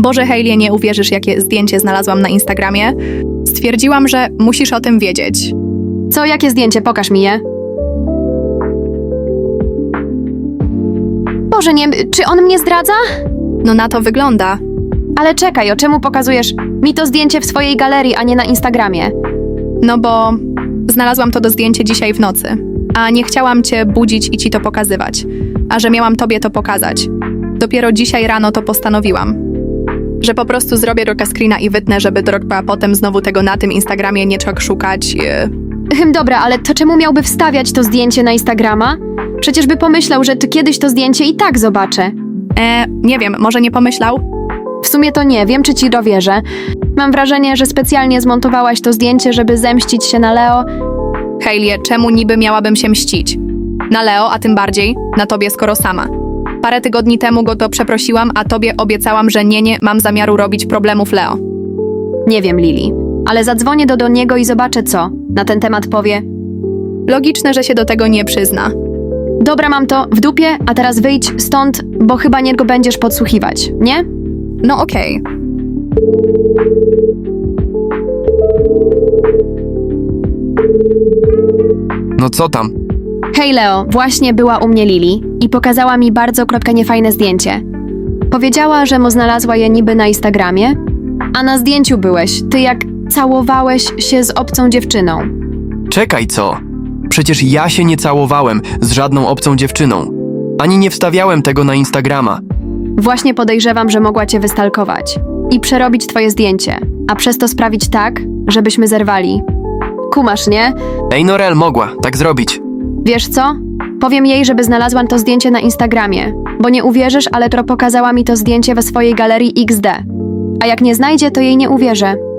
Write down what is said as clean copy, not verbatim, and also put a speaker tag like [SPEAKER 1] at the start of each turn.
[SPEAKER 1] Boże, Hailey, nie uwierzysz, jakie zdjęcie znalazłam na Instagramie. Stwierdziłam, że musisz o tym wiedzieć.
[SPEAKER 2] Co, jakie zdjęcie? Pokaż mi je. Boże, nie, czy on mnie zdradza?
[SPEAKER 1] No na to wygląda.
[SPEAKER 2] Ale czekaj, o czemu pokazujesz mi to zdjęcie w swojej galerii, a nie na Instagramie?
[SPEAKER 1] No bo znalazłam to zdjęcie dzisiaj w nocy, a nie chciałam cię budzić i ci to pokazywać, a że miałam tobie to pokazać. Dopiero dzisiaj rano to postanowiłam, że po prostu zrobię roka screena i wytnę, żeby Drogba potem znowu tego na tym Instagramie nie trzeba szukać.
[SPEAKER 2] Dobra, ale to czemu miałby wstawiać to zdjęcie na Instagrama? Przecież by pomyślał, że ty kiedyś to zdjęcie i tak zobaczę.
[SPEAKER 1] Nie wiem, może nie pomyślał?
[SPEAKER 2] W sumie to nie wiem, czy ci dowierzę. Mam wrażenie, że specjalnie zmontowałaś to zdjęcie, żeby zemścić się na Leo.
[SPEAKER 1] Hailey, czemu niby miałabym się mścić? Na Leo, a tym bardziej na tobie, skoro sama. Parę tygodni temu go to przeprosiłam, a tobie obiecałam, że nie mam zamiaru robić problemów Leo.
[SPEAKER 2] Nie wiem, Lili, ale zadzwonię do niego i zobaczę, co na ten temat powie.
[SPEAKER 1] Logiczne, że się do tego nie przyzna.
[SPEAKER 2] Dobra, mam to w dupie, a teraz wyjdź stąd, bo chyba nie go będziesz podsłuchiwać, nie?
[SPEAKER 1] No okej.
[SPEAKER 3] No co tam?
[SPEAKER 2] Hej Leo, właśnie była u mnie Lili i pokazała mi bardzo niefajne zdjęcie. Powiedziała, że mu znalazła je niby na Instagramie, a na zdjęciu byłeś, ty jak całowałeś się z obcą dziewczyną.
[SPEAKER 3] Czekaj, co? Przecież ja się nie całowałem z żadną obcą dziewczyną. Ani nie wstawiałem tego na Instagrama.
[SPEAKER 2] Właśnie podejrzewam, że mogła cię wystalkować i przerobić twoje zdjęcie, a przez to sprawić tak, żebyśmy zerwali. Kumasz, nie?
[SPEAKER 3] Ej, Norel, mogła tak zrobić.
[SPEAKER 2] Wiesz co? Powiem jej, żeby znalazłam to zdjęcie na Instagramie, bo nie uwierzysz, ale pokazała mi to zdjęcie we swojej galerii XD. A jak nie znajdzie, to jej nie uwierzę.